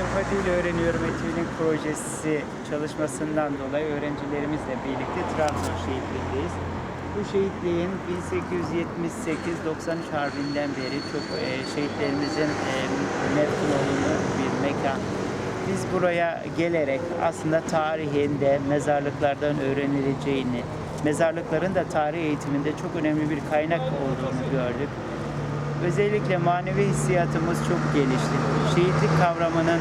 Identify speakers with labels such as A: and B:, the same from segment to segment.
A: Avrupa Dil Öğreniyorum Etüdü'nün projesi çalışmasından dolayı öğrencilerimizle birlikte Trabzon şehitliğindeyiz. Bu şehitliğin 1878-93 Harbi'nden beri çok şehitlerimizin mefkun olduğu bir mekan. Biz buraya gelerek aslında tarihinde mezarlıklardan öğrenileceğini, mezarlıkların da tarih eğitiminde çok önemli bir kaynak olduğunu gördük. Özellikle manevi hissiyatımız çok gelişti. Şehitlik kavramının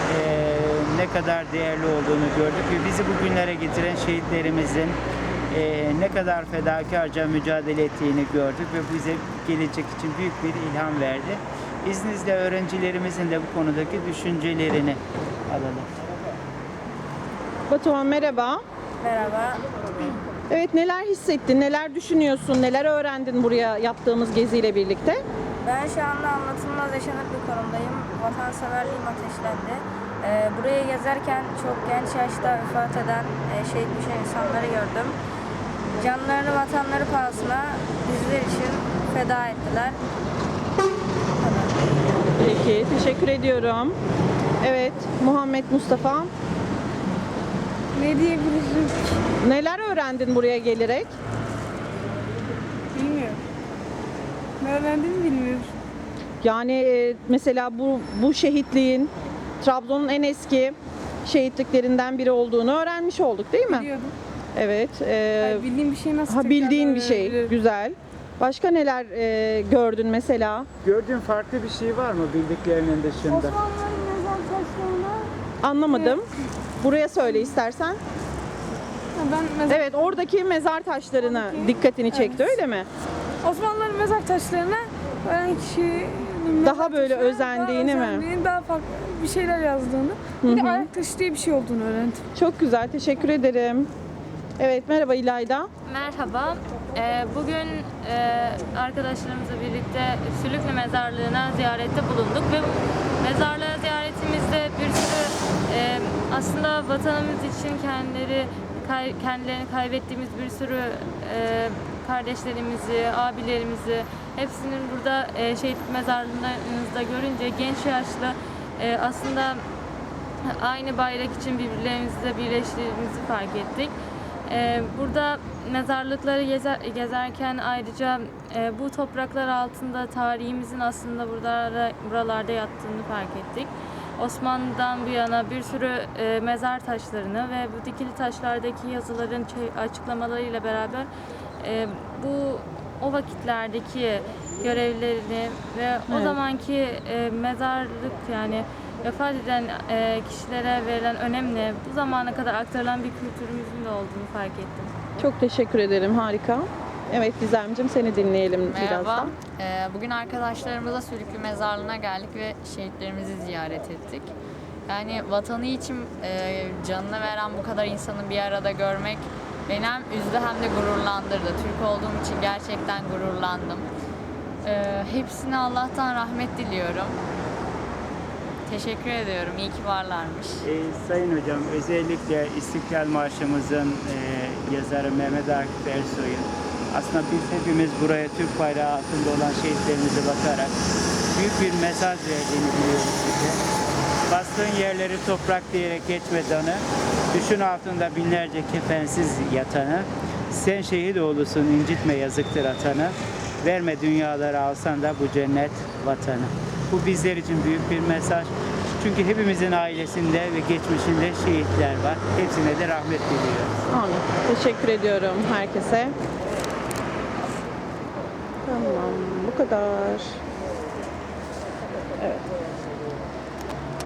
A: ne kadar değerli olduğunu gördük ve bizi bugünlere getiren şehitlerimizin ne kadar fedakarca mücadele ettiğini gördük ve bu bize gelecek için büyük bir ilham verdi. İzninizle öğrencilerimizin de bu konudaki düşüncelerini alalım.
B: Batuhan merhaba.
C: Merhaba.
B: Evet, neler hissettin, neler düşünüyorsun, neler öğrendin buraya yaptığımız geziyle birlikte?
C: Ben şu anda anlatılmaz yaşanır bir konumdayım. Vatanseverliğim ateşlendi. Buraya gezerken çok genç yaşta vefat eden, şehit düşen insanları gördüm. Canlarını vatanları pahasına bizler için feda ettiler. Bu kadar.
B: Peki, teşekkür ediyorum. Evet, Muhammed Mustafa,
D: Ne diyebilirim?
B: neler öğrendin buraya gelerek?
D: Bilmiyorum. Ne öğrendiğimi bilmiyorum.
B: Yani mesela bu şehitliğin Trabzon'un en eski şehitliklerinden biri olduğunu öğrenmiş olduk, değil mi?
D: Biliyordum.
B: Evet.
D: Hayır, bildiğim bir şey nasıl
B: Bildiğin bir
D: tekrardan
B: şey.
D: öğrenebilirim?
B: Güzel. Başka neler gördün mesela?
A: Gördüğün farklı bir şey var mı bildiklerinin dışında?
D: Osmanlıların mezar taşlarına
B: Anlamadım. Buraya söyle istersen.
D: ben mezar...
B: Evet, oradaki mezar taşlarını
D: Oradaki-
B: dikkatini çekti,
D: Evet.
B: öyle mi?
D: Osmanlıların mezar taşlarına ölen kişinin mezar
B: Daha böyle
D: taşına
B: özendiğini mi?
D: Daha farklı bir şeyler yazdığını. Bir de ayak taşı diye bir şey olduğunu öğrendim.
B: Çok güzel, teşekkür ederim. Evet, merhaba İlayda.
E: Merhaba. Bugün arkadaşlarımızla birlikte Sülüklü Mezarlığı'na ziyarette bulunduk ve mezarlığa ziyaretimizde bir sürü aslında vatanımız için kendilerini kaybettiğimiz bir sürü kardeşlerimizi, abilerimizi hepsinin burada şehitlik mezarlığınızda görünce genç yaşlı aslında aynı bayrak için birbirlerimizle birleştiğimizi fark ettik. Burada mezarlıkları gezerken ayrıca bu topraklar altında tarihimizin aslında buralarda yattığını fark ettik. Osmanlı'dan bu yana bir sürü mezar taşlarını ve bu dikili taşlardaki yazıların açıklamalarıyla beraber o vakitlerdeki görevlerini ve o
B: Evet.
E: zamanki mezarlık yani vefat eden kişilere verilen önemle bu zamana kadar aktarılan bir kültürümüzün de olduğunu fark ettim.
B: Çok teşekkür ederim, harika. Evet Gizemciğim, seni dinleyelim
F: Merhaba.
B: birazdan.
F: Bugün arkadaşlarımızla Sülüklü Mezarlığı'na geldik ve şehitlerimizi ziyaret ettik. Yani vatanı için canını veren bu kadar insanı bir arada görmek beni hem üzdü hem de gururlandırdı. Türk olduğum için gerçekten gururlandım. Hepsine Allah'tan rahmet diliyorum. Teşekkür ediyorum. İyi ki varlarmış.
A: Sayın Hocam, özellikle İstiklal Marşımızın yazarı Mehmet Akif Ersoy'un aslında biz hepimiz buraya Türk bayrağı altında olan şehitlerimize bakarak büyük bir mesaj verdiğini biliyoruz size. Bastığın yerleri toprak diyerek geçmedanı, düşün altında binlerce kefensiz yatanı, sen şehit oğlusun incitme yazıktır atanı, verme dünyaları alsan da bu cennet vatanı. Bu bizler için büyük bir mesaj. Çünkü hepimizin ailesinde ve geçmişinde şehitler var. Hepsine de rahmet diliyoruz.
B: Amin. Teşekkür ediyorum herkese. Tamam, bu kadar. Evet.